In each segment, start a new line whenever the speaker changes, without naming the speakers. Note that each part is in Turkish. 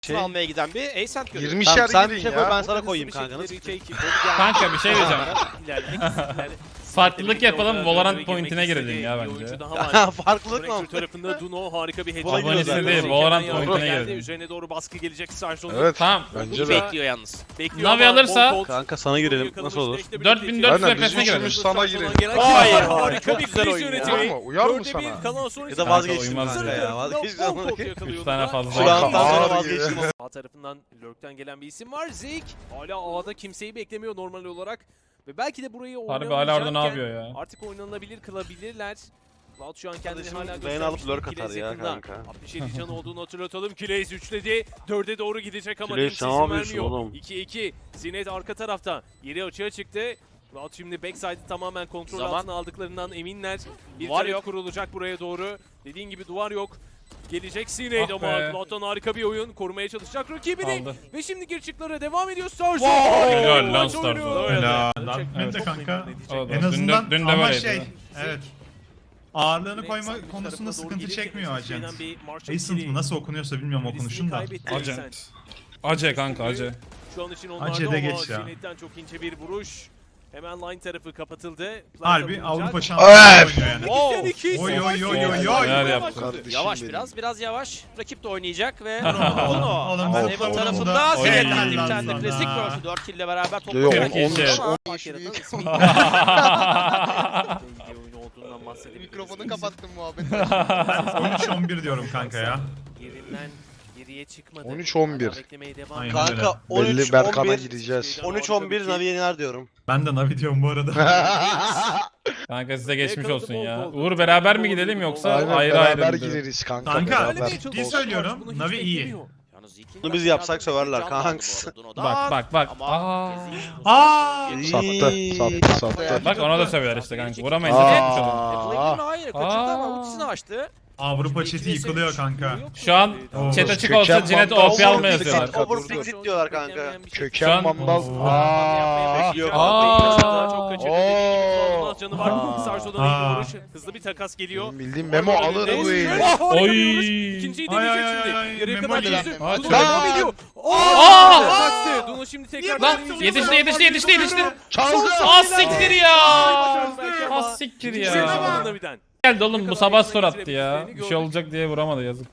almaya giden bir Ascent görüyoruz.
20'şer
Sen
girin
şey koy,
ya.
ben sana koyayım kanka. Nasıl?
Kanka bir şey diyeceğim. Farklılık yapalım, Valorant pointine girelim ya bence.
Farklılık mı?
Tarafında Duno harika bir
Buna
headshot.
Abonesi değil, Valorant pointine girelim.
Üzerine doğru baskı gelecek Sarjon'un.
Evet.
Tamam.
Bence de.
Bekliyor yalnız.
Bekliyor
Navi
ama
alırsa-
Bolt
Kanka sana girelim. Nasıl olur?
4400
Aynen, biz
FPS'ine girelim.
üçümüz sana girelim.
Hayır,
harika bir
güzel
kriz
oyun ya.
yönetimi.
Uyar mı? Uyar mı
4'e
sana?
1 kalan son
Ya
iki
da
dakika.
vazgeçtim
uymaz
kanka
ya.
ya. Vazgeçtim.
Üç tane fazla.
Şu andan sonra
Ağır
vazgeçtim.
A tarafından Lurk'ten gelen bir isim var. Zik hala A'da kimseyi beklemiyor normal olarak. Ve belki de burayı
Harbi hala orada ne
oynanamayacağken
yapıyor ya?
artık oynanabilir kılabilirler. Cloud şu an kendini
Kardeşim,
hala
beğeni alıp
göstermiş.
lurk
Kileyiz
atar ya
yakında.
kanka.
67 can olduğunu hatırlatalım. Kileyiz üçledi. 4'e doğru gidecek ama
Kileyiz,
kimse
ne
izin
yapıyorsun
vermiyor.
oğlum?
2-2. Zinet arka tarafta. Yeri açığa çıktı. Cloud şimdi backside'ı tamamen kontrol
Zaman.
altına aldıklarından eminler. Bir
Duvar
trap
yok.
kurulacak buraya doğru. Dediğin gibi duvar yok. Gelecek Sinead
Ah
ama
be.
Cloud'dan harika bir oyun. Korumaya çalışacak rakibini.
Aldı.
Ve şimdi girişiklara devam ediyor Starzo.
Helal lan Starzo.
Helal.
Evet.
Ben de kanka.
O da.
En azından
Dün de
ama
böyleydi.
şey, evet. Ağırlığını koyma konusunda sıkıntı çekmiyor Agent. Ascent mı nasıl okunuyorsa bilmiyorum okunuşun da.
Agent. Ace kanka Ace.
Şu an için onlarda
Acele
ama
geç ya.
Sinet'ten çok ince bir vuruş. Hemen line tarafı kapatıldı.
Harbi Avrupa
Evet.
şampiyonu oynuyor yani.
Wow.
Oy oy oy oy
Neler
oy.
yaptı?
Kardeşim
Yavaş
benim.
biraz yavaş. Rakip de oynayacak ve
Oğlum,
Ama
bu
Evan
futbolda
tarafında
Oy.
Zeynep
helal
bir
lan
tane de
sana.
klasik versi 4 kill ile beraber top
Yok,
olarak
10
geçti
kişi.
ama
Fark yaratan ismi. İyi oyun olduğundan bahsedebiliriz.
Mikrofonu kapattım muhabbet.
13-11 diyorum kanka ya.
Yerinden geriye çıkmadı.
13-11.
Hala beklemeye devam
Aynen.
ediyor.
Kanka
Belli Berkan'a
13-11.
gireceğiz.
13-11 Navi yener diyorum.
Ben de Navi diyorum bu arada.
Kanka size geçmiş olsun ya. Uğur beraber mi gidelim yoksa
Aynen
ayrı ayrı
beraber
mı?
gireriz kanka.
Kanka,
beraber.
Söylemeye
ciddi
çalışıyor.
söylüyorum,
Bunu hiç
Navi iyi.
beklemiyor.
Yalnız Zeke'in
Bunu biz yapsak söverler kanks.
Bak.
Ama
Aa!
Sattı sattı.
Bak ona da söver işte kanka. Vuramayız da geçmiş olsun.
Hayır kaçırdı ama ultisini açtı.
Avrupa chat'i yıkılıyor kanka.
Şu an
Oo.
chat açık
Köken
olsa Cinet
mandal.
OP almaya yazıyorlar.
Overfixit diyorlar kanka.
Köken
Şu an-
mandal.
Çok kaçırdı.
Oo.
Canı var. Sarso'dan iyi vuruş. Hızlı bir takas geliyor.
Benim bildiğim Memo alır bu eli.
Oy.
İkinciyi
Ay,
deneyecek
ay,
şimdi.
ay, ay,
Yarıya
Memo
kadar
ile.
yüzü.
Ay,
Duno
çok-
devam ediyor.
Aa!
Kaçtı. Duno şimdi tekrar
Lan yetişti.
Çaldı.
Az siktir ya.
Az
Az siktir ya.
Navi'den.
Geldi oğlum bu sabah skor attı ya. Bir şey olacak diye vuramadı yazık.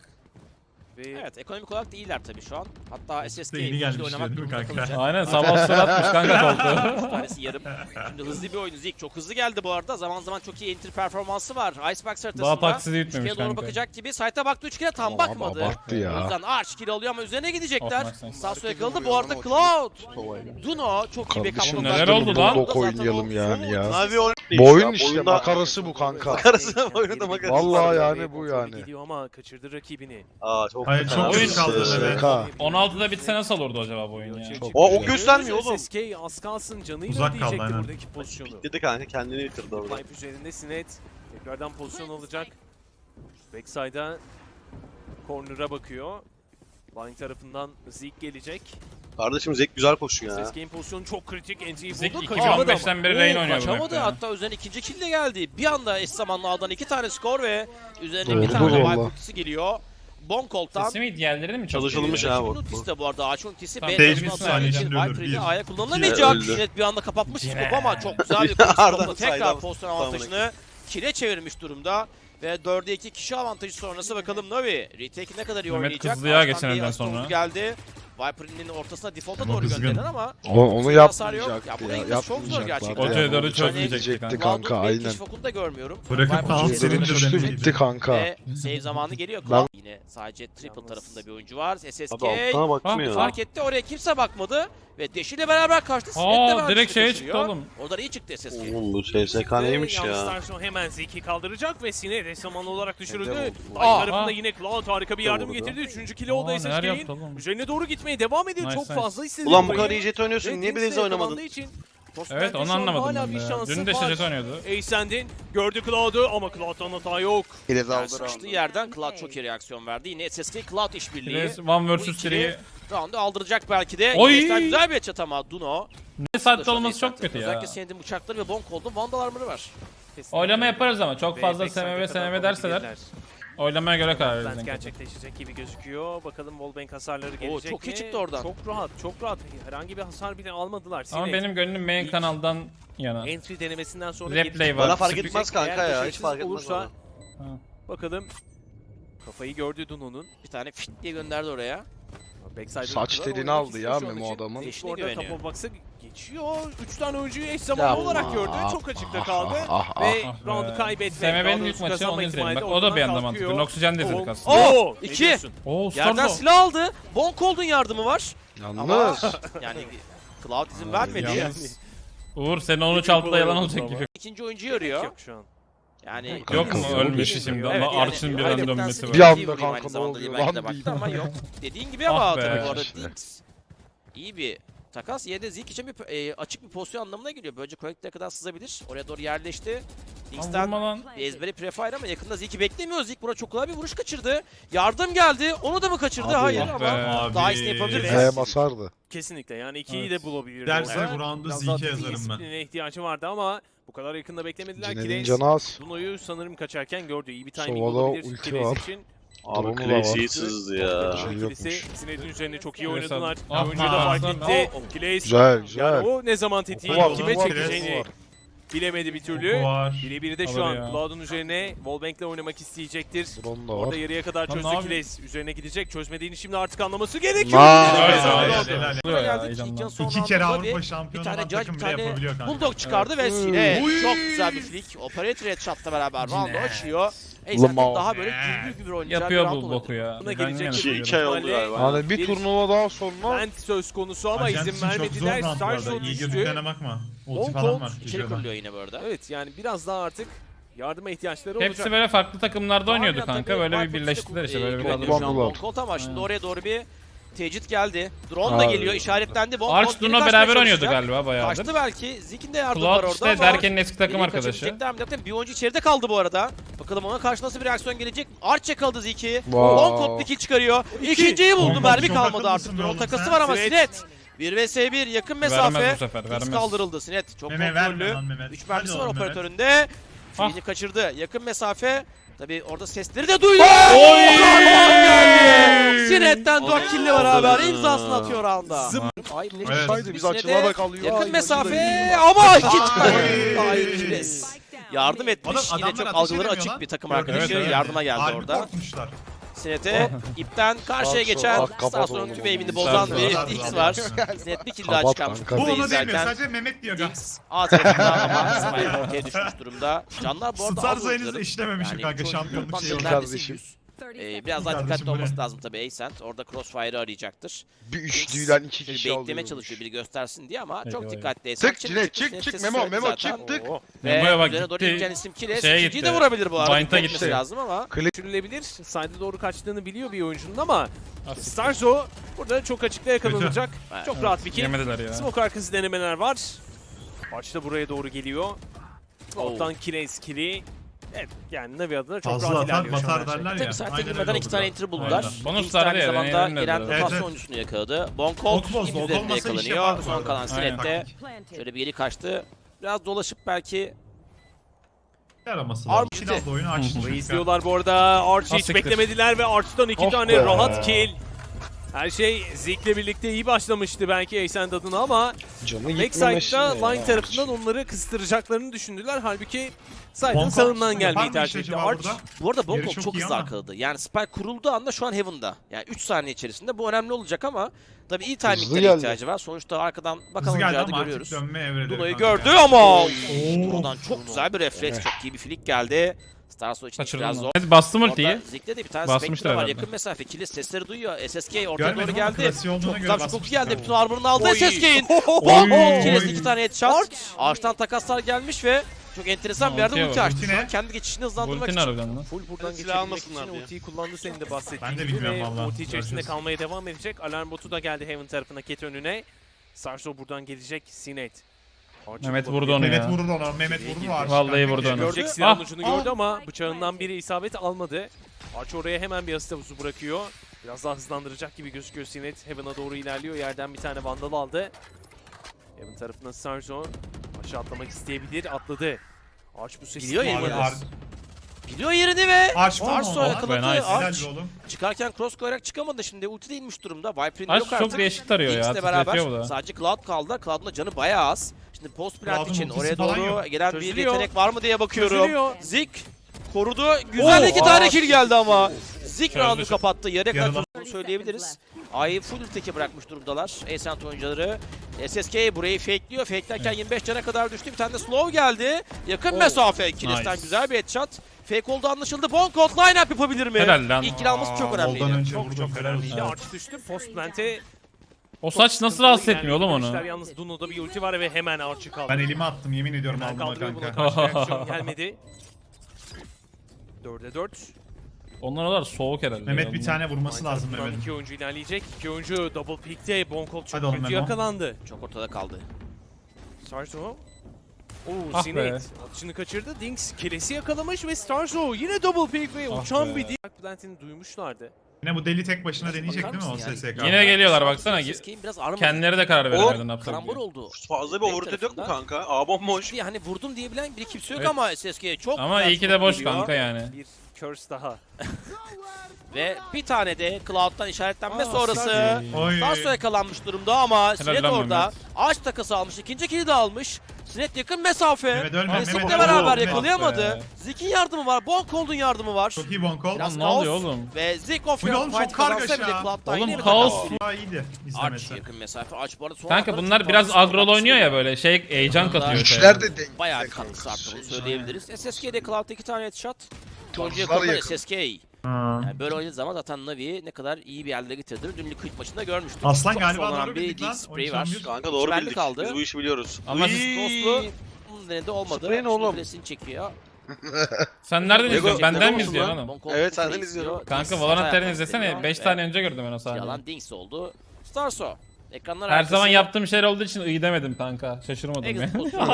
Evet ekonomik olarak da iyiler tabii şu an. Hatta SSK
Yeni gelmiş
oynamak
değil mi
durumunda
kanka?
kalacak.
Aynen sabah skor atmış kanka koltuğu.
Bir tanesi yarım. Şimdi hızlı bir oyun. Zik çok hızlı geldi bu arada. Zaman zaman çok iyi entry performansı var. Icebox haritasında.
Daha taksidi bitmemiş
Üçgene doğru
kanka.
bakacak gibi. Site'a baktı üçgene tam
Ama
bakmadı.
abarttı
O
ya.
yüzden arch kill alıyor ama üzerine gidecekler.
Of, nice.
Sasso yakaladı. Bu arada Cloud. Duno çok iyi bir
Kardeşim
kapı.
neler oldu lan?
Bulldog oynayalım yani ya.
Navi oyun
Bu oyun
ya,
işte
oyunda-
makarası bu kanka.
Makarası oyunu da makarası.
Vallahi yani bu yani.
Gidiyor ama kaçırdı rakibini.
Aa çok
Hayır,
kötü.
çok
Oyun-
kötü kaldı Navi.
SK.
16'da bitse nasıl olurdu acaba bu oyun ya?
O göstermiyor oğlum.
SSK az kalsın canıyla
Uzak kaldı,
ödeyecekti
aynen.
buradaki pozisyonu.
Dedi kanka kendini bitirdi orada.
Pipe üzerinde Sinet tekrardan pozisyon alacak. Backside'a corner'a bakıyor. Line tarafından Zeke gelecek.
Kardeşim Zek güzel koşuyor ya.
SSK'in pozisyonu çok kritik. NG'yi
Zik
buldu.
2015'ten beri Rain oynuyor bu
Kaçamadı.
map'te ya.
Hatta üzerine ikinci kill de geldi. Bir anda eş zamanlı A'dan 2 tane skor ve üzerine
Doğru,
bir tane de
valla.
Vibe ultisi geliyor. Bonkolt'tan.
Sesi mi diğerleri mi çok
Çalışılmış
geliyor?
ya bu.
Ultisi de bu arada ağaç ultisi.
Tamam,
B
Sage
tarafına
bir saniye
atacağı için
içinde ölür,
Viper'in
bir.
A'ya kullanılamayacak.
Öldü.
Cinet bir anda kapatmış
Yine.
skop ama çok güzel bir
Arda'nın
pozisyonda tekrar
saydan
pozisyon avantajını kile çevirmiş durumda. Ve 4'e 2 kişi avantajı sonrası bakalım Navi. Retake ne kadar iyi
Mehmet
oynayacak.
kızdı ya
Ağaçtan
geçen
bir
elden
asist
sonra.
oldu geldi. Viper'ın ortasına default'a
Ama
doğru
kızgın.
gönderilen ama
Onu
hasar yok. Ya
yapmayacaktı
buraya
ya.
gitmesi çok zor gerçekten.
Yapmayacaklardı
Oteye doğru
ya.
çözmeyecekti
kanka
Cloud'un
aynen.
keşif okunu da görmüyorum.
Bırakıp
Viper'ın
alt
üzerine
silindir
Düştü
önemliydi.
bitti kanka.
Ve save zamanı geliyor.
Ben-
Cloud yine sadece triple tarafında bir oyuncu var. SSK
Abi altına bakmıyor.
fark etti. Oraya kimse bakmadı. Ve Deş ile beraber kaçtı. Snap de
Aa
beraber
direkt şeye
kaçırıyor.
çıktı oğlum.
Oradan iyi çıktı SSK.
Oğlum bu SSK neymiş
Yalnız
ya.
Starson hemen Zeke'i kaldıracak ve Sinet eş zamanlı olarak düşürüldü. Line
Aa,
tarafında
aa.
yine Cloud harika bir yardım
Vurdu.
getirdi. 3. kilo oldu
Aa, neler yaptı
SSK'in.
oğlum?
Üzerine doğru gitmeye devam ediyor.
Nice,
Çok
nice.
fazla istedi.
Ulan bu
burayı.
kadar iyi jet oynuyorsun
Ve
niye
Dings'le
Blaze oynamadın?
yakalandığı için
Evet onu
şu an
anlamadım
hala
ben
bir
de ya.
şansı
Dün de
var.
şaşet oynuyordu.
Ascend'in gördü Cloud'u ama Cloud'dan hata yok.
Filiz
Yani
aldı
sıkıştığı
roundu.
yerden Cloud çok iyi reaksiyon verdi. Yine SSK Cloud işbirliği.
Biraz One
Bu
vs
ikili
3'yi.
roundu aldıracak belki de.
Oy!
Yine güzel bir headshot ama Duno.
Ne saatte olması çok kötü ya.
Özellikle Sinet'in bıçakları ve Bonk oldu. Vandal armor'ı var.
Oylama yaparız ama çok fazla
Ve
SMV
backside'e kadar
SMV derseler.
kalabilirler.
Oylamaya göre karar
Plant
veririz.
gerçekleşecek gibi gözüküyor. Bakalım Wallbang hasarları gelecek
çok iyi
mi?
çıktı oradan.
Çok rahat, çok rahat. Herhangi bir hasar bile almadılar.
Ama
Sinet,
benim gönlüm main
İlk-
kanaldan yana.
entry denemesinden sonra
Replay
gelecek.
var.
Bana fark
Sürprizecek.
etmez kanka
Eğer
ya. Hiç
başarısız
fark etmez
olursa
bana.
bakalım. Kafayı gördü Duno'nun.
Bir tane fit diye gönderdi oraya.
Backside'e
Saç
gittiler,
telini
oynamak
aldı
istiyor
ya
şu an
Memo
için.
adamın.
Zeke
Eşine
orada
güveniyor.
Top of Box'a geçiyor. 3 tane oyuncuyu eş zamanlı olarak gördü. Çok açıkta kaldı. Ve
Ah
roundu
be.
kaybetmek.
SMB'nin ilk maçı onu izleyelim. Bak o da bir anda mantıklı. Noxygen de izledik aslında.
Oo! ne
2.
diyorsun?
Oo
Yerden
Starzo.
silah aldı. Bon Cold'un yardımı var. Ama
Yalnız.
yani Cloud izin vermedi.
Yalnız. Uğur sen onu çaldı yalan olacak gibi.
İkinci oyuncuyu arıyor.
Yok şu an.
Yani
Yok mu
Yok
ölmüşü
işte.
şimdi
Evet,
ama Arch'ın bir anda
hayretten
dönmesi
sıkı
var.
Bir anda
vurayım
kanka
aynı
ne
zamanda
oluyor
belki de
lan
baktı
diyeyim.
ama yok. Dediğin gibi ama
Ah be.
tabii bu arada
İşte.
Dinks iyi bir takas. Yine de Zeke için bir açık bir pozisyon anlamına geliyor. Böylece Connect'e kadar sızabilir. Oraya doğru yerleşti.
Lan
Dinks'ten
vurma lan.
bir ezberi prefire ama yakında Zeke'i beklemiyor. Zeke buna çok kolay bir vuruş kaçırdı. Yardım geldi. Onu da mı kaçırdı?
Abi.
Hayır
Ah
ama
be.
Abi.
daha iyisini yapabilir.
Z'ye basardı.
Kesinlikle yani 2'yi
Evet.
de bulabilirdi.
Derse
orada.
bu roundu
Biraz
Zeke'e
daha takım
yazarım ben.
disiplinine ihtiyacı vardı ama bu kadar yakında beklemediler.
Cine'nin
Kireyiz
canı az.
Duno'yu sanırım kaçarken gördü. İyi bir timing
Sova'da
olabilir
ulti
Kireyiz
var.
için.
Abi
Drone'u da
Clay
var.
iyi sızdı ya.
Şey
İkilisi
yokmuş.
Sined'in üzerine çok iyi
Evet,
oynadılar.
ah,
Oyuncu da fark
ah,
etti. Kireyiz
Güzel güzel.
yani o ne zaman tetiği
Oku var,
kime
oku var,
çekeceğini
oku var.
bilemedi bir
Oku
türlü.
var.
Birebir de şu
Alır
an
ya.
Cloud'un üzerine Wallbank'le oynamak isteyecektir.
Drone da
Orada
var.
yarıya kadar
Lan ne
çözdü
yapıyor?
Kireyiz. Üzerine gidecek. Çözmediğini şimdi artık anlaması gerekiyor.
Nice.
Evet,
Helal,
evet.
helal.
Oluyor ya
Geldik.
heyecandan.
İlk yan son
İki kere
roundda bir
Avrupa şampiyonu
tane
olan
Judge,
takım
bir
bile
tane
yapabiliyor kanka.
Bulldog çıkardı ve Sine
Uy.
çok güzel bir flick. Operator headshot'la beraber round'u
Cine.
açıyor. Eysen
Lamar.
daha böyle düzgün bir oynayacağı
Yapıyor
bir round
bu
olabilir.
boku ya.
Buna
Ben
gelecek
yine
iki-
diyorum.
2 ay oldu galiba.
Yani bir turnuva daha sonra
Bent söz konusu ama
Arjantin
izin
çok zor
vermediler.
round bu arada.
Starshot
İyi
düştü.
gözüklerine bakma. Ulti
Long
falan
Cold
var.
İçeri
çocuğuna.
kuruluyor yine bu arada.
Evet yani biraz daha artık yardıma ihtiyaçları olacak.
Hepsi böyle farklı takımlarda oynuyordu
Harbiden
kanka.
tabii
Böyle bir
Viper
birleştiler işte böyle bir
güveniyor
kadro.
şu an
Bandılar.
Bon Colt ama şimdi
Aynen.
oraya doğru bir tecrit geldi. Drone da
Abi.
geliyor, işaretlendi. Bon
Arch
Colt geri
Duno
kaçmaya
beraber oynuyordu
çalışacak.
galiba bayağıdır.
Kaçtı belki. Zeke'in de yardımı var
Cloud
orada
işte
ama
Derken'in eski takım
biri
arkadaşı.
kaçabilecekler mi derken bir oyuncu içeride kaldı bu arada. Bakalım ona karşı nasıl bir reaksiyon gelecek. Arch yakaladı Zeke'i.
Wow.
Bon Colt bir kill çıkarıyor. İkinciyi buldu.
Bon
Mermi
Colt
kalmadı
çok
artık.
akıllısın be
Drone
oğlum
takası
sen.
var ama
Sinet.
Sinet. 1 vs 1 yakın
Vermez
mesafe.
bu sefer,
X
vermez.
kaldırıldı Sinet. Çok
Meme verme
kontrollü.
lan Mehmet.
3 mermisi
Hadi
var
oğlum Mehmet.
operatöründe.
Ah.
Birini kaçırdı. Yakın mesafe. Tabi orada sesleri de duydu.
Oy!
Geldi. Sinet'ten 4 kill'le beraber imzasını atıyor round'a. Ay,
Evet.
Haydi biz açılarda kalıyor.
yakın
Ay,
mesafe ama iki tane.
Oy!
Hayır Kines. Yardım etmiş.
Oğlum
Yine
adamlar
çok
ateş
algıları
edemiyor
açık
lan.
bir takım
Gördün
arkadaşı
mü?
yardıma geldi
Harbi
orada.
korkmuşlar.
Sinet'e ipten karşıya
Bak,
geçen
bak, kapat
Starson'un
oğlum.
tüm aimini bozan
Starson.
bir X var. Sinet bir kill daha
Kapat
çıkarmış.
kanka.
Bu
Burayı
onu demiyor.
izlerken.
Sadece Mehmet diyor.
Dinks A tarafında ama Smile ortaya düşmüş durumda. Canlar bu arada
Star
az
sayınızı
oyuncuların.
işlememişim kanka
çoğu
şampiyonluk
gruptan
şeyi
bir
olarak.
neredeyse
Kardeşim.
100. Biraz daha
Kardeşim,
dikkatli
bu ne?
olması lazım tabii Ascent. Orada Crossfire'ı arayacaktır.
Bir üçlüden iki
Şöyle
kişi
beklemeye
alıyormuş.
çalışıyor biri göstersin diye ama çok
Eyvah,
dikkatli Ascent.
Tık Cine çık Memo Memo çık tık.
Ve
Memo'ya bak
üzerine doğru
gitti.
ineceğin isim Kiles.
Şeye
İkinciyi de
gitti.
vurabilir bu arada.
Bind'a
Dikkat etmesi
gitti.
lazım ama.
Düşürülebilir. Side'e doğru kaçtığını biliyor bir oyuncunun ama Starzo burada çok açıkta yakalanacak.
Evet.
Çok rahat bir kill.
Yemediler ya.
Smoke arkası denemeler var. Arch da buraya doğru geliyor. Alttan Kireyiz kill'i. Evet yani Navi adına çok
Fazla
rahat
atar
ilerliyor şu an.
batar derler ya.
Tabii site
Aynen
girmeden
öyle
iki
oldu
tane
da.
enter buldular.
Aynen.
Bonus
Dinks
sardı
aynı
ya,
zamanda
yenildiler
gelen
biraz.
rotasyon
Evet.
oyuncusunu yakaladı. Bon Colt
Ok boz,
gibi
ok
üzerinde
olmasa iş
yakalanıyor.
yapar bu
Son
arada.
kalan
Aynen.
Sinet'te şöyle bir geri kaçtı. Biraz dolaşıp belki
Yaraması
Arm
lazım.
gitti.
Silahla oyunu açtı.
Burayı
çünkü.
izliyorlar bu arada. Arch'ı hiç
Asiktir.
beklemediler ve Arch'tan iki
Oh
tane
be.
rahat kill. Her şey Zeke'le birlikte iyi başlamıştı belki Ascent adına ama
Canı gitmemesi
backside'da
ne
line
ya?
tarafından onları kıstıracaklarını düşündüler. Halbuki Side'ın
Bonk
sağından
yapar
gelmeyi
mı
tercih
işte
etti.
acaba
Arch
burada?
bu arada
Yeri
Bon Colt
çok
çok
iyi
hızlı
ama.
arkaladı. Yani Spike kurulduğu anda şu an Heaven'da. Yani 3 saniye içerisinde bu önemli olacak ama tabii iyi
Hızlı
timinglere
geldi.
ihtiyacı var. Sonuçta arkadan bakan
Hızlı geldi
oyuncağı da
ama artık
görüyoruz.
dönme evrede.
Duno'yu
kanka
gördü
ya.
ama
Oo.
Duno'dan çok güzel bir refleks, çok iyi bir flick geldi. Starso için
Kaçırdın
biraz
mı?
zor.
Evet, bastım
Orada
ultiyi.
Zeke'de de bir tane
Basmıştır
Spectre var.
herhalde.
Yakın mesafe. Kilis sesleri duyuyor. SSK ortaya
Görmedim
doğru
ama
geldi.
klasiği olduğuna
Çok
göre
güzel çok
basmıştır
geldi.
tabii.
Bütün armor'ını aldı
Oy.
SSK'in.
Oy.
Kilis 2 tane headshot. Ağaçtan takaslar gelmiş ve çok enteresan bir yerde
Ultiye
ulti
bak.
açtı.
Ulti
Şu an
ne?
kendi geçişini hızlandırmak
Ultin
için.
harbiden lan.
full buradan
Silah
geçebilmek
almasınlar
için
diye.
ultiyi kullandı senin de bahsettiğin
Ben de
gibi
bilmiyorum
ve
vallahi.
ulti içerisinde
Göreceğiz.
kalmaya devam edecek. Alarm botu da geldi Heaven tarafına, Ket önüne. Sarso buradan gelecek. Sinet.
Mehmet vurdu onu
Mehmet
ya.
vurur ona. Mehmet vurur Arch.
Vallahi
kanka.
vurdu onu.
Görecek
Ah,
silahın ucunu gördü ama bıçağından biri isabet almadı. Arch oraya hemen bir asist havuzu bırakıyor. Biraz daha hızlandıracak gibi gözüküyor Sinet. Heaven'a doğru ilerliyor. Yerden bir tane vandal aldı. Heaven tarafından Sarso aşağı atlamak isteyebilir. Atladı. Arch bu sesi
Biliyor ya
duymadı.
Yılmaz. Biliyor yerini ve
Arch var mı
Starso
orada?
yakaladı.
Nice.
Helal
Arch
be oğlum.
çıkarken cross koyarak çıkamadı şimdi. Ulti de inmiş durumda. Viper'in
Aç
yok artık.
çok değişik tarıyor ya.
Jinx'le beraber
Titretiyor bu da.
sadece Cloud kaldı. Cloud'un da canı bayağı az. Şimdi post plant
Cloud'un
için
ultisi
oraya
falan
doğru
yok.
gelen bir
Çözülüyor.
yetenek var mı diye bakıyorum.
Çözülüyor.
Zik korudu. Güzel iki tane kill geldi ama. Zik
Çözdü,
round'u
çözdü.
kapattı. Yarıya kadar
Yarılan.
tuttuğunu söyleyebiliriz. A'yı full teke bırakmış durumdalar. Ascent oyuncuları. SSK burayı fakeliyor. Fakelerken 25 cana kadar düştü. Bir tane de slow geldi. Yakın mesafe. Kilis'ten
Nice.
güzel bir headshot. Fake oldu anlaşıldı. Bonkot line-up yapabilir mi?
Helal lan.
İlk kill alması çok
Voldan
önemliydi.
önce
Çok
vurdum.
çok
Helal
önemliydi.
olsun.
Arch düştü. Post plant'e
O saç nasıl rahatsız etmiyor oğlum onu?
Yalnız Duno'da bir ulti var ve hemen Arch'ı kaldı.
Ben elimi attım yemin ediyorum
Hemen
aldım ha
kaldırıyor buna
kanka.
karşı reaksiyon gelmedi. 4'e 4.
Onlar o kadar soğuk herhalde.
Mehmet
ya.
bir tane vurması lazım
Tarafından
Mehmet'in.
İki oyuncu ilerleyecek. İki oyuncu double pick'te. Bonkol çok
Hadi oğlum
kötü
Memo.
yakalandı.
Çok ortada kaldı.
Starzo. Oo,
Ah
Sinet
be.
atışını kaçırdı. Dinks kilesi yakalamış ve Starzo yine double pick ve
Ah
uçan
be.
bir Dark Plant'ini duymuşlardı.
Yine bu deli tek başına deneyecek
Bakar
değil mi o
mısın
SSK?
Yine geliyorlar baksana.
SSK'in biraz aramadı.
Kendileri de karar veremedi ne yapacak
Karambol
diye.
oldu.
Fazla bir overrotate yok mu kanka? A bomboş.
Diye hani vurdum diyebilen bir kimse yok
Evet.
ama SSK'ye çok
Ama
güzel
iyi ki de
çok
boş
geliyor.
kanka yani.
Bir curse daha.
Ve bir tane de Cloud'dan işaretlenme
Aa,
sonrası
Starzo.
Oy.
Starso yakalanmış durumda ama Sinet
lan
orada.
Mehmet.
Ağaç takası almış. İkinci kill'i de almış. Sinet yakın mesafe.
Mehmet ölme,
Zik'le
Mehmet
beraber
ölme.
yakalayamadı.
Be.
Zik'in yardımı var. Bonkold'un yardımı var.
Çok iyi Bonkol.
Biraz
Lan ne oluyor
kaos
oğlum?
Ve Zik of
Bu ne oğlum,
fight
çok kargaşa
kazansa bile
ya.
Cloud'dan
Oğlum,
yine bir
kaos.
takas.
Daha iyiydi
Arch
izlemesi.
yakın mesafe. Arch bu arada son
Kanka
anda
bunlar
çok
biraz
fazla
agrol oynuyor ya
sıkıntı.
böyle şey heyecan katıyor.
Güçler
şeye.
de denk.
Bayağı
denk
katkısı arttı bunu
şey.
söyleyebiliriz. SSK'de Cloud'da 2 tane headshot. Oyuncu
Tarzlar
yakaladı
yakın.
SSK. Yani böyle oynadığı zaman zaten Navi'yi ne kadar iyi bir yerlere getirdiğini dün Liquid maçında görmüştük.
Aslan
Çok
galiba
zorlanan
doğru
bir
bildik lan.
Dig Spray var.
13-11.
Kanka doğru
Süperli
bildik.
kaldı.
Biz bu işi biliyoruz.
Ama siz-
Ghost'lu bunun denedi olmadı.
Sprey ne oğlum?
Presini çekiyor.
Sen nereden
Lego-
izliyorsun? Benden mi
Lego
izliyorsun
musun
oğlum?
Bonkol
Evet,
Sprey
senden
izliyor.
izliyorum.
Kanka
Dinks
Valorant
ayağa
terini izlesene.
kalktırıyor
5
ve
tane önce gördüm ben o sahneyi.
Yalan Dinks oldu. Starso. Ekranlar
Her
arkası.
zaman yaptığım şeyler olduğu için iyi demedim kanka. Şaşırmadım ya.
Exit pozisyonu.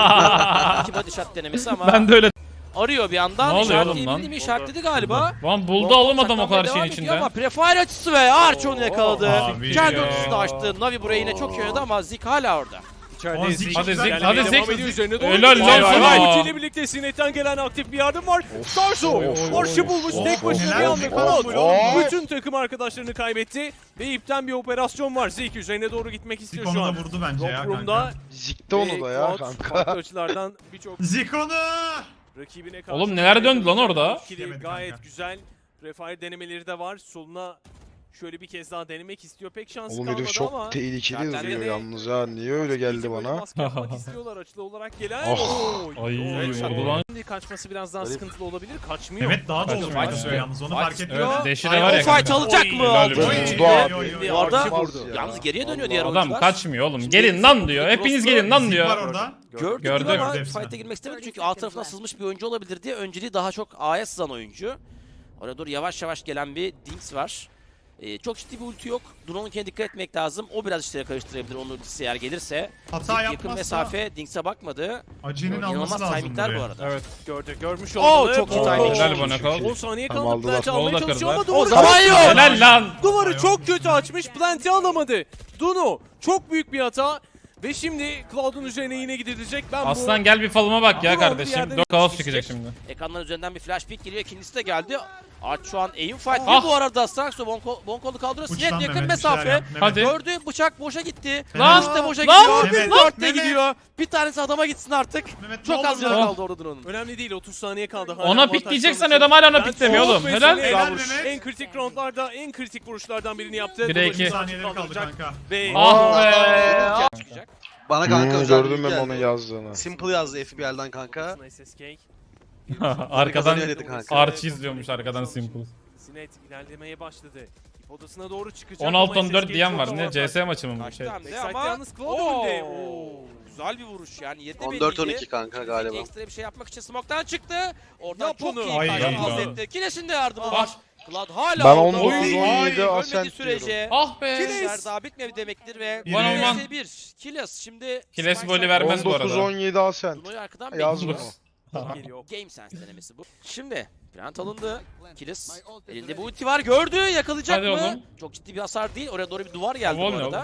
İki body shot denemesi ama
Ben de öyle.
arıyor bir yandan.
Ne oluyor oğlum
İşaretleyebildi
lan?
mi? İşaretledi galiba.
Lan buldu oğlum adam o kadar
Saklanmaya
şeyin
devam ediyor Ama
içinde.
prefire açısı ve Arch onu yakaladı.
Abi
Kendi
ya.
ultisini açtı. Navi burayı yine çok iyi oynadı ama Zik hala orada.
İçeride
Hadi
Zik
Zik,
çok
hadi
güzel
Zik,
denemeye
hadi
devam
Zik.
ediyor. Üzerine doğru
Helal
gidiyor.
lan
Vay
sana.
vay vay. Ultiyle birlikte Sinet'ten gelen aktif bir yardım var. Starzo Arch'ı bulmuş tek başına bir
Helal
anda
be,
Cloud.
oy.
Bütün takım arkadaşlarını kaybetti ve ipten bir operasyon var. Zik üzerine doğru gitmek istiyor
Zik
şu
onu
an.
da vurdu bence ya
Rock Room'da
kanka.
Zikte onu da ya
Cloud
kanka.
farklı açılardan birçok
Zik onu!
rakibine karşı.
Oğlum neler döndü lan orada?
İkili
Yemedi
gayet
kanka.
güzel. Refire denemeleri de var. Soluna şöyle bir kez daha denemek istiyor. Pek şansı
Oğlum
kalmadı
herif çok
ama.
tehlikeli
Zaten
duruyor
de-
yalnız ha. Niye öyle geldi
Böyle
bana?
baskı yapmak istiyorlar açılı olarak gelen.
Oh.
Oy,
Ay,
oy.
vurdu lan.
Şimdi kaçması biraz daha sıkıntılı olabilir. Kaçmıyor.
Mehmet daha da
Kaçmıyor,
olur
kaçmıyor.
yalnız onu
Fight
fark
istiyor.
etmiyor.
Evet, deşi de
Ay,
var
o
ya
fight
kanka.
alacak
Oy,
mı?
helal
Aldı.
olsun.
Oy,
Doğa.
oy, oy,
Orada
Olmaz ya.
yalnız geriye dönüyor diğer
Adam
oyuncular.
kaçmıyor oğlum. Gelin lan diyor. Hepiniz gelin lan
Zik var
diyor.
orada.
Gördük
Gördüm.
ama
Gördü hepsini.
fight'e girmek istemedi çünkü A tarafına sızmış bir oyuncu olabilir diye önceliği daha çok A'ya sızan oyuncu. Oraya doğru yavaş yavaş gelen bir Dinks var. Çok ciddi bir ulti yok. Duno'nunkine dikkat etmek lazım. O biraz işleri karıştırabilir onun ultisi eğer gelirse.
Hata
Yakın
yapmazsa
mesafe Dinks'e bakmadı.
Ace'nin alması
İnanılmaz
lazım
timingler bu
buraya.
arada.
Evet.
Görmüş
Oo,
olmalı.
çok iyi
Oo,
timing.
Helal bana kal.
10 saniye
Tamam,
kaldı.
aldılar.
Plant'i almaya
Onu da
çalışıyor ama
kırdılar.
O
duvarı
zaman yok.
Helal lan.
Duvarı çok kötü açmış. Plant'i alamadı. Duno çok büyük bir hata. Ve şimdi Cloud'un üzerine yine gidilecek. Ben
Aslan gel bir falıma bak ya
Ama bir
kardeşim.
yerde
Dört kaos
bir
çıkacak
şey-
şimdi.
Ekranların üzerinden bir flash pick geliyor. İkincisi de geldi. Arch şu an aim fight
Ah.
bu arada. Starkso Bonkol'u kaldırıyor.
Uç
Sinet
lan
yakın
Mehmet, bir şeyler
mesafe.
yap, Mehmet.
Hadi.
Gördü bıçak boşa gitti.
Lan,
Kılıç da boşa
lan,
gidiyor.
Mehmet,
Dört de
Mehmet.
gidiyor. Bir tanesi adama gitsin artık.
Mehmet,
Çok
ne
az
olur
canı
lan.
kaldı orada Duno'nun.
önemli değil. 30 saniye kaldı. Hala
Ona
avantaj
pikleyecek
sonrası.
sanıyordum hala ona
Ben
piklemiyor
çok
oğlum.
ve
Helal.
Sinet
Helal Mehmet.
En kritik roundlarda en kritik vuruşlardan birini yaptı.
1'e
Duno
2.
şimdi
Saniyeleri kaldı
kaldıracak.
kanka.
Ve
Ah be.
Çıkacak.
Bana kanka özel
Gördüm
bilgi
ben onun
geldi.
yazdığını.
Simple yazdı FBL'den kanka.
SSK.
Arkadan
Kazanıyor dedi kanka.
Archie izliyormuş arkadan Simple.
Sinet ilerlemeye başladı. İp odasına doğru çıkacak.
16-14
ama
diyen
SSK
var.
çok
Ne
avantaj.
CS maçı mı bu
Kaçtı
şey?
hem de
Backside'de
ama
yalnız Cloud önde.
güzel bir vuruş yani 7
14-12 kanka galiba.
Ekstra bir şey yapmak için smoke'tan çıktı. Oradan
Yap
çok
onu.
iyi
Ay,
kaçtı
ya.
Hazretleri. Kines'in de yardımı var. Cloud hala
Ben
orada.
19-17
Ölmediği
Ascent
sürece
Ah be.
işler daha bitmedi demektir ve
Bir
One on one.
1 Kiles şimdi
Kiles
Spike
golü
Side-
vermez bu arada.
19-17 Ascent.
Duno'yu arkadan
Yaz
bekliyor.
bunu.
Geliyor.
Game Sense denemesi bu. Şimdi plant alındı. Kilis elinde bu ulti var gördü yakalayacak
Hadi
mı?
oğlum.
Çok ciddi bir hasar değil. Oraya doğru bir duvar geldi
Oğlum
bu
ne
arada.
oğlum?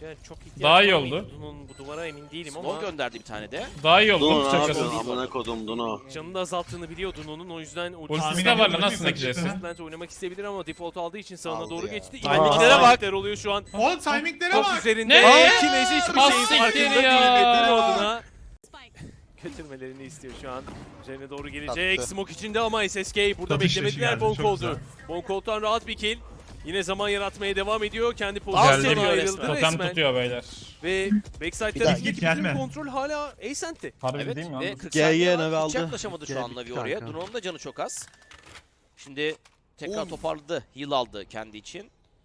Yani çok ihtiyaç
Daha iyi
var
oldu.
mıydı Duno'nun bu duvara emin değilim ama
Smoke gönderdi bir tane de.
Daha iyi oldu.
Duno ne
Şakası.
yapıyorsun? Amına kodum Duno.
canını azalttığını biliyor Duno'nun, o yüzden
Ultisi de var lan, nasıl nekleyeceksin?
Ultimate oynamak isteyebilir ama default aldığı için sağına
Aldı
doğru
ya.
geçti.
Timinglere bak.
Oluyor şu an.
Oğlum timinglere
Top
bak.
üzerinde.
Ne?
Kilez hiçbir
Ah,
şeyin
siktir
farkında
ya.
değil ve Duno adına götürmelerini istiyor şu an. Üzerine doğru gelecek.
Attı.
Smoke içinde ama SSK burada
Satış
beklemediler
geldi, çok
Bonkolt'u.
güzel.
Bonkolt'tan rahat bir kill. Yine zaman yaratmaya devam ediyor. Kendi
Geldi.
pozisyonuna ayrıldı
Totem
resmen.
tutuyor beyler.
Ve
Bir
backside'da
daha
git
gelme.
kontrol hala Ascent'te.
Harbi
Evet
değil mi
ve
lan?
40
Gel,
saniye
gel,
var.
Navi
Hiç
aldı.
yaklaşamadı şu
Gel,
an
bitti
Navi oraya.
kanka.
Duno'nun da canı çok az. Şimdi tekrar toparladı. Heal aldı kendi için.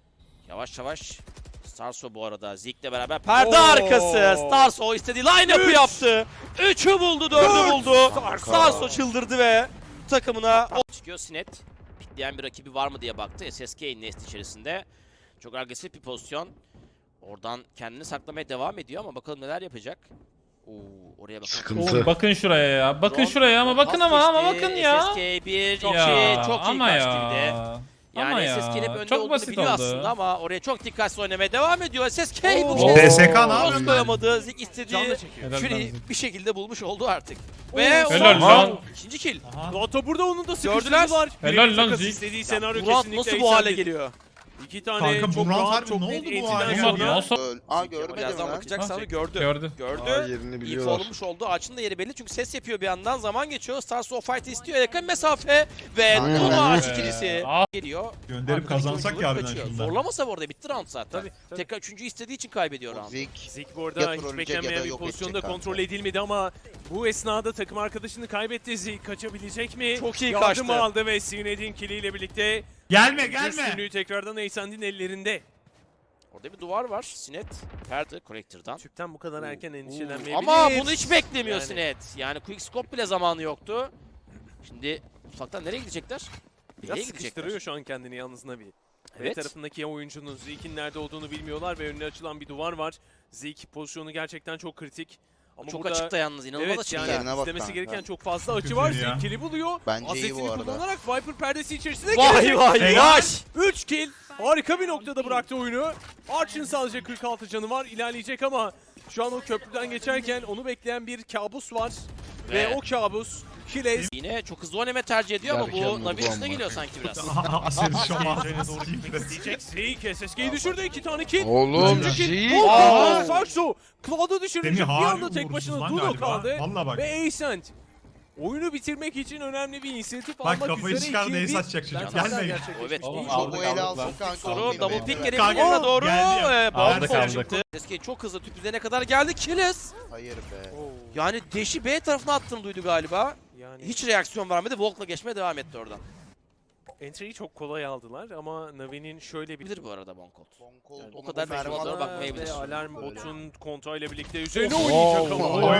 Yavaş yavaş. Starso bu arada Zeke'le beraber perde
Oo.
arkası. Starso istediği line-up'ı yaptı. 3'ü buldu, 4'ü buldu. Starso çıldırdı ve takımına çıkıyor. Sinet pitleyen bir rakibi var mı diye baktı. SSK nest içerisinde. Çok agresif bir pozisyon. Oradan kendini saklamaya devam ediyor ama bakalım neler yapacak. Oo, oraya bakalım.
Sıkıntı.
Oğlum bakın şuraya ya. Bakın
Drone,
şuraya ama bakın ama
geçti.
bakın ya.
SSK 1, 2
Ya,
çok iyi
ama
kaçtı
ya.
bir de. Yani
Ama ya.
SSK'nin hep önde
Çok
olduğunu
basit
biliyor
oldu.
aslında ama oraya çok dikkatli oynamaya devam ediyor. SSK bu
Oo.
kez
DSK ne
cross
yapıyorsun?
koyamadı. Zik istediği
Canla çekiyor.
Helal
Fury
lan.
bir şekilde bulmuş oldu artık.
Oo.
Ve
Helal
Aha.
lan.
İkinci kill.
Lato burada onun da
Gördüler.
sıkıştırdılar.
Helal
Birebir
lan
takas
Zik.
istediği senaryo
Murat
kesinlikle
nasıl bu hale
Ascent'in.
geliyor?
İki tane
Kanka,
çok
Murat
rahat,
harbi
çok
ne
net
oldu bu
entiden
hale
Olmadı,
sonra.
nasıl?
Görmedim
Birazdan
lan.
bakacak
Ha,
sana gördü.
Gördü.
Gördü.
Yerini
İyi
biliyorlar.
olmuş oldu. Ağaçın da yeri belli çünkü ses yapıyor bir yandan. Zaman geçiyor. Stars o fight'ı istiyor. Yakın mesafe ve
Kanka.
Duno ağaç
Be.
ikilisi
Ah.
geliyor.
Gönderip
Arkadaki
kazansak
oyuncuları
ya harbiden
kaçıyor.
şundan.
Zorlamasa bu arada bitti round zaten.
Tabii, tabii.
Tekrar üçüncü istediği için kaybediyor round.
Zik.
Zik bu arada
Ya
hiç
trolleyecek
beklenmeyen
ya da
bir
yok
pozisyonda
edecek
kontrol
kanka.
edilmedi ama bu esnada takım arkadaşını kaybetti. Zik kaçabilecek mi?
Çok iyi
Yardım
kaçtı.
aldı ve Sined'in kiliyle birlikte
Gelme gelme.
üstünlüğü tekrardan Ascent'in ellerinde.
Orada bir duvar var. Sinet perde Connector'dan.
Tüpten bu kadar erken endişelenmeyebilir.
Ama bunu hiç beklemiyor
Yani.
Sinet. Yani quick scope bile zamanı yoktu. Şimdi ufaktan nereye gidecekler?
Biraz
Nereye gidecekler?
sıkıştırıyor şu an kendini yalnız Navi. B
Evet.
tarafındaki oyuncunun Zeke'in nerede olduğunu bilmiyorlar ve önüne açılan bir duvar var. Zeke pozisyonu gerçekten çok kritik. Ama
Çok
burada
açıkta yalnız. İnanılmaz
evet
açıkta.
yani
Yerine bak
izlemesi
kanka.
gereken çok fazla açı
Kötü
var.
ya.
Zeke kill'i buluyor.
Bence iyi
Asetini
bu arada.
kullanarak Viper perdesi içerisinde
Vay
gelecek.
vay
Helal.
vay.
3 kill. Harika bir noktada bıraktı oyunu. Arch'ın sadece 46 canı var. İlerleyecek ama şu an o köprüden geçerken onu bekleyen bir kabus var. Ve o kabus Kilez.
Yine çok hızlı oynama tercih ediyor ama
Derken
bu
vurdu
Navi üstüne
ama.
geliyor sanki biraz.
Aser'i şu an.
Diyecek Zeke SSK'yi düşürdü. 2 tane kill.
Oğlum
Üçüncü kill.
Zik.
Aa, Sarso. Cloud'u düşürecek.
Semih
Bir
harbi
anda tek
uğursuz
başına
lan
Duno
galiba.
kaldı.
Valla bak.
Ve Ascent. Oyunu bitirmek için önemli bir inisiyatif
Bak
almak
kafayı
üzere
çıkardı,
2'ye
ace
1.
atacak çocuk.
Bence hala
Gelme.
gerçekleşmiş
Evet,
değil.
oğlum,
Şu
aldık,
bu ele
aldık
alsın
lan.
kanka.
Soru
benim
double
elimde.
pick gelebilir
Kanka,
yanına doğru.
geldi.
Aldık,
Bomb
aldık.
çıktı. SSK çok hızlı tüp üzerine kadar geldi. Killers.
Hayır be.
Yani deşi B tarafına attığını duydu galiba.
Yani
Hiç reaksiyon vermedi. Volk'la geçmeye devam etti oradan.
entry'yi çok kolay aldılar ama Navi'nin şöyle bir
Bilir bu arada Bonkolt. Yani o
Ona
kadar
bu
büyük
Mervan'a
olmalara
bak.
bakmayabilir.
ve alarm
Öyle.
botun kontrolle birlikte üzerine
Oo.
oynayacak ama
Oy.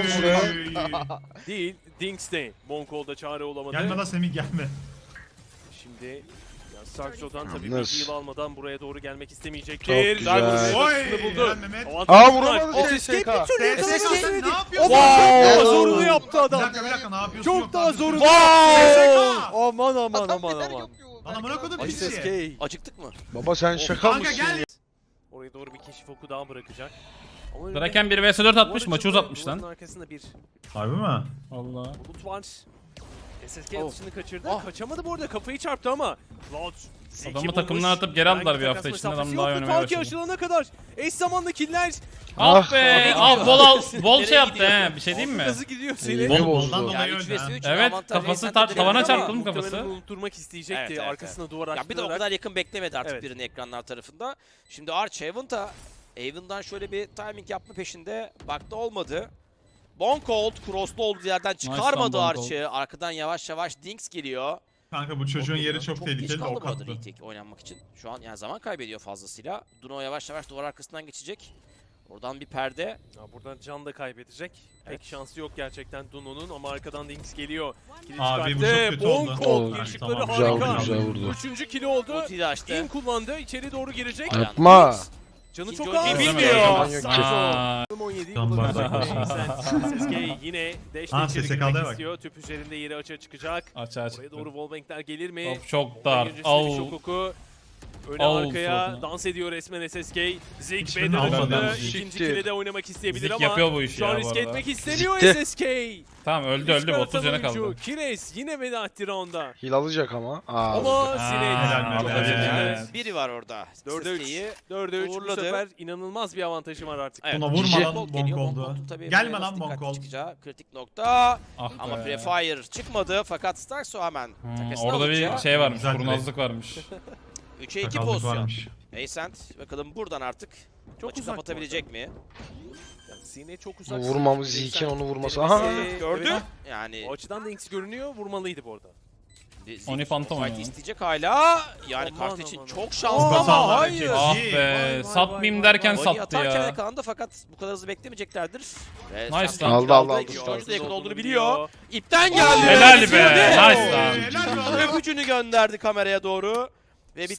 değil. Dings'te Bonkol'da çare olamadı.
Gelme lan Semih gelme.
Şimdi ya Sarkzo'dan tabii bir
Yalnız.
heal almadan buraya doğru gelmek
Çok
istemeyecektir.
güzel.
Darwin
Oy.
Sırasını buldu.
Helal Mehmet.
Avantajı
vuramadı
var.
SSK.
SSK bir türlü
SSK
yakalayamadı.
ne yapıyorsun?
Wow.
Zorunu yaptı
Bir
adam.
dakika bir dakika ne yapıyorsun?
Çok
Yok
daha
abi.
zorunu.
SSK.
Aman aman
Adam
aman
neler
aman.
yapıyor?
Lan amına kodum
Ay,
pisi.
SSK.
Acıktık mı?
Baba sen şaka
Kanka
mısın
gel.
ya?
Oraya doğru bir keşif oku daha bırakacak. Ama önünde
Draken 1 vs 4 atmış,
duvar
maçı
açıldı.
uzatmış
Duvarın
lan.
arkasında bir
Harbi mi?
Allah.
bulut var. SSK
Oh.
atışını kaçırdı.
Ah.
Kaçamadı bu arada, kafayı çarptı ama Cloud Zeke'i
Adamı
bulmuş.
takımdan atıp geri aldılar
Herhangi
bir hafta
takas
içinde, adam
mesafesi
daha
yoktu.
oynamaya
Ta ki
başladı.
aşılana kadar eş zamanlı killer.
Ah be!
Nereye
Ah
gidiyor?
bol
Nereye
şey yaptı
gidiyor?
he, bir şey diyeyim mi?
Hızı gidiyor seni.
İyi
Bol
bozdu.
boldan
Yani
dolayı
3
öyle.
vs 3
Evet,
avantaj
kafası
Ascent'e
tavana
denendi ama-
çarptı mı
Muhtemelen
kafası?
onu unutturmak isteyecekti.
Evet, evet,
Arkasına duvar
Ya bir de o
açtırarak.
kadar yakın beklemedi artık
Evet.
birini ekranlar tarafında. Şimdi Arch Haven'da Haven'dan şöyle bir timing yapma peşinde. Baktı olmadı. Bonkolt crosslu olduğu yerden çıkarmadı
lan Bonkolt.
Arch'ı. Arkadan yavaş yavaş Dinks geliyor.
Kanka bu çocuğun yeri çok
geç
tehlikeli de
kaldı
ok
bu arada
attı.
retake oynanmak için. Şu an yani zaman kaybediyor fazlasıyla. Duno yavaş yavaş duvar arkasından geçecek. Oradan bir perde.
Ya buradan can da kaybedecek.
Evet.
Pek şansı yok gerçekten Duno'nun ama arkadan Dinks geliyor. Kili
Abi bu
çıkarttı.
çok kötü oldu.
Bonkolt
Oldu.
girişikleri
Tamam,
güzel
harika.
vurdu, güzel vurdu.
Üçüncü kili oldu.
Ultiyi de açtı.
İn kullandı. İçeri doğru girecek.
Aynen.
Yapma.
Canı
İkinci
çok
oyuncuyu
az.
bilmiyor.
Aa,
17
Tam bardak
SSK yine dash
Ha,
içeri
SSK
girmek
bak.
istiyor. Tüp üzerinde yeri açığa çıkacak.
açığa
Buraya
çıktı.
doğru wallbang'ler gelir mi?
Top çok dar.
Öncesinde bir şok
Au.
oku. Öne
Al
arkaya
suratına.
dans ediyor resmen SSK. Zik
Hiçbirini
B'de
almadı.
dönüldü.
Siktir.
İkinci kile de oynamak isteyebilir
Zik
ama
yapıyor bu işi
şu an
ya bu
riske
arada.
etmek istemiyor
Zikti.
SSK.
Tamam öldü
Risk
öldü.
aratan
30 canı
oyuncu.
kaldı.
Kires yine veda etti rounda.
Hil alacak ama.
Ama Sinet.
helal be,
helal.
Biri var orada.
4'e 3.
Sesli'yi
4'e 3 bu
uğurladı.
sefer inanılmaz bir avantajım var artık.
Evet.
Buna vurma
Cici.
lan
Bonk geliyor.
bonk oldu.
Bonk'un tabii
Gelme
buraya
lan
nasıl
bonk
dikkatli
oldu.
çıkacağı kritik nokta.
Ah
Ama
be.
Prefire çıkmadı fakat Starkso hemen takasını
Orada
alınca
bir şey varmış.
Güzel
Kurnazlık varmış.
3'e 2
Sakallık
pozisyon.
varmış.
Ascent bakalım buradan artık
Çok
maçı
uzak bu
kapatabilecek mi?
Yani Sinet çok uzak.
Vurmamız
Şimdi
Zeke'in onu vurması.
denemesi-
Aha.
Gördü.
Evet,
Yani
o açıdan da Inks görünüyor. Vurmalıydı bu arada.
Oni Phantom
fight
oynuyor.
isteyecek hala. Yani
Aman,
kart için
aman,
çok
aman.
şanslı
Çok
ama
hatalar
hayır.
yapacak.
Ah
Vay,
be.
vay,
Satmayayım
vay,
derken
vay.
Volley
sattı
atarken
ya.
yakalandı fakat bu kadar hızlı beklemeyeceklerdir.
Nice lan.
Aldı.
İkinci oyuncu da yakın olduğunu biliyor. İpten geldi.
Helal be.
Bitirdi.
Nice lan.
Helal be oğlum.
Öpücünü gönderdi kameraya doğru.